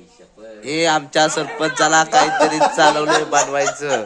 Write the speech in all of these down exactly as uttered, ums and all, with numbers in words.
हे आमच्या सरपंचाला काहीतरी चालवलंय बनवायचं.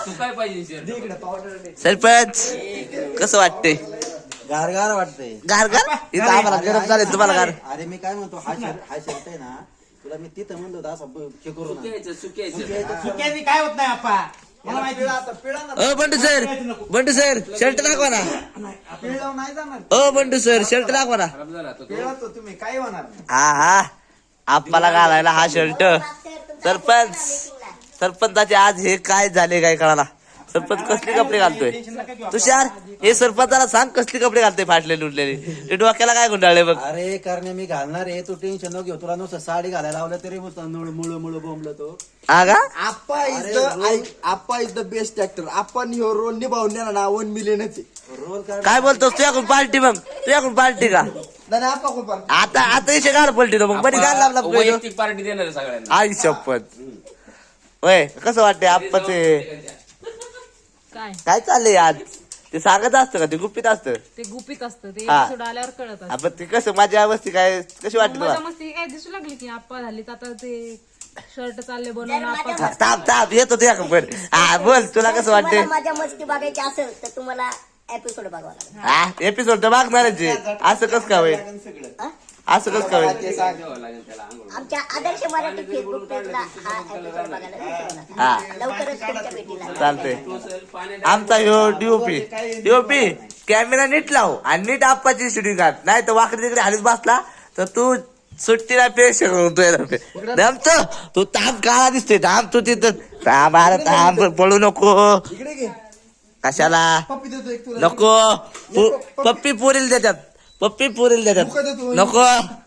सरपंच कसं वाटतंय? गारगार वाटतंय. गारगार इथं आम्हाला गरम झाले तुम्हाला गार. अरे मी काय म्हणतो हा शर्ट हा शर्ट आहे ना तुला मी तिथं म्हणलो होतं असं हे करू ना. सुक्याची काय होत नाही आपा मला माहिती. अ Bandu sir Bandu sir shirt दाखवा ना. पिळलं नाही जाणार. अ बंडू सर शर्ट दाखवा ना. पिळत तो तुम्ही काय होणार नाही. हा हा आप्पाला घालायला हा शर्ट. सरपंच सरपंचाचे आज हे काय झाले काय कळाला. सरपंच कसले कपडे घालतोय तुषार? हे सरपंचाला सांग कसले कपडे घालतोय फाटलेले उठलेले. ते डोक्याला काय गुंडाळले बघ. अरे करणे मी घालणार आहे तू टेन्शन न घेऊ. तुला नुसतं साडी घालायला लावलं तरी मुळ मुळ बोंबलं तो. हा का Appa is the Appa is the best actor. आपण ह्यो रोल निभावून ना वन मिलियनच रोल काढ. काय बोलतोस तुझ्याकडून पार्टी मग तुझ्याकडून पार्टी का नाही आप्पा खूप आता आता इथे गाड पलटी मग बरी गाड लावला पार्टी देणार सगळ्यांना. आई शपथ. होय कसं वाटतंय आप्पाचे काय काय चाललंय आज? ते सांगत असतं का ते गुपित असतं? ते गुपित असतं ते हा. एपिसोड आल्यावर कळत असतं. आपण ते कसं माझ्या अवस्थी काय कशी वाटली मजा तुला? मस्ती काय दिसू लागली की आप्पा झालीत आता ते शर्ट चालले बनवून आप्पा ताप ताप येतो तुझ्या पण हा बोल तुला कसं वाटतंय? तुम्हाला माझ्या मस्ती बघायची असेल तर तुम्हाला एपिसोड बघावा लागेल. हा एपिसोड तर मागणारच आहे. असं कसं काय होईल? हा? असं कसं काय होईल? आमच्या आदर्श मराठी फेसबुक पेजला हा एपिसोड बघायला विसरू नका. हा लवकरच तुमच्या भेटीला चालतंय. आमचा ह्यो डीओपी डीओपी कॅमेरा नीट लाव आणि नीट आप्पाची शूटिंग काढ. नाही तर वाकडी तिकडे हालीच बसला तर तू सुट्टीला पेश जमतो. तू ताप काळा दिसतोय. थांब तू तिथं थांब. अरे थांब पळू नको. इकडे घे कशाला पप्पी देतो एक तुला. नको पु- पप्पी पुरील देतात. पप्पी पुरील देतात नको.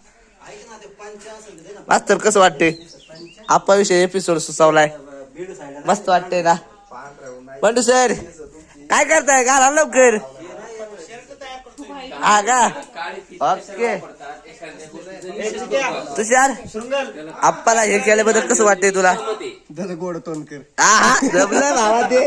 मास्तर कसं वाटते? आप्पा विषयी एपिसोड सुचवलाय मस्त वाटते ना. बंडू सर काय करताय? घाला लवकर. हा का ओके. तुषार आप्पाला हे केल्याबद्दल कसं वाटतंय तुला? झालं गोड तोंड कर. हा हा जमलं भावा ते.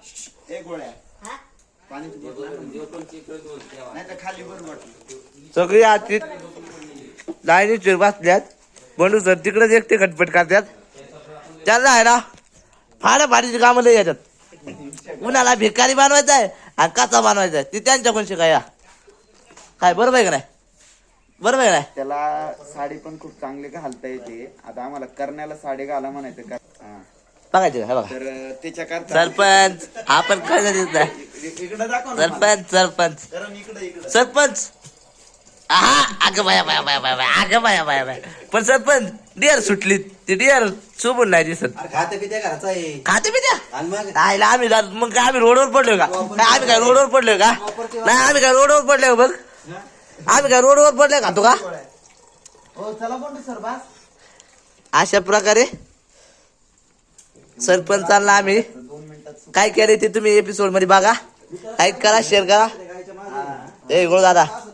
सगळी आजची लाईनीत बसल्यात. बंडू सर तिकडेच एकटे खटपट करतात. त्यांना आहे ना फाड्या फाडीची कामं लय येतात. कुणाला भिकारी बनवायचा आहे आणि काचा बनवायचा आहे ती त्यांच्याकडून शिकाया. काय बरोबर आहे का नाही? बरोबर आहे का नाही? त्याला साडी पण खूप चांगली घालता येते. आता आम्हाला करण्याला साडी घाला म्हणायचं का हा. बघायचं का? हे बघा तर त्याच्याकरता सरपंच आपण काय झालं इकडे दाखव ना. सरपंच सरपंच कारण इकडे इकडे सरपंच हा अगं बाया बाया बाया बाया बाया अगं बाया बाया बाया. पण सरपंच डिअर सुटली ती डिअर सोबून नाही दिसत. अरे खाते पिते घराचा आहे. खाते बी द्या आणि मग राहिला आम्ही जात- मग काय आम्ही रोडवर पडलोय का? काय आम्ही काय रोडवर पडलोय का? नाही आम्ही काय रोडवर पडलोय का बघ. आम्ही काय रोडवर पडलोय का तू का? हो चला बंडू सर बस. अशा प्रकारे सरपंचांना आम्ही काय केले ते तुम्ही एपिसोड मध्ये बघा. लाईक करा शेअर करा. ए गोळ दादा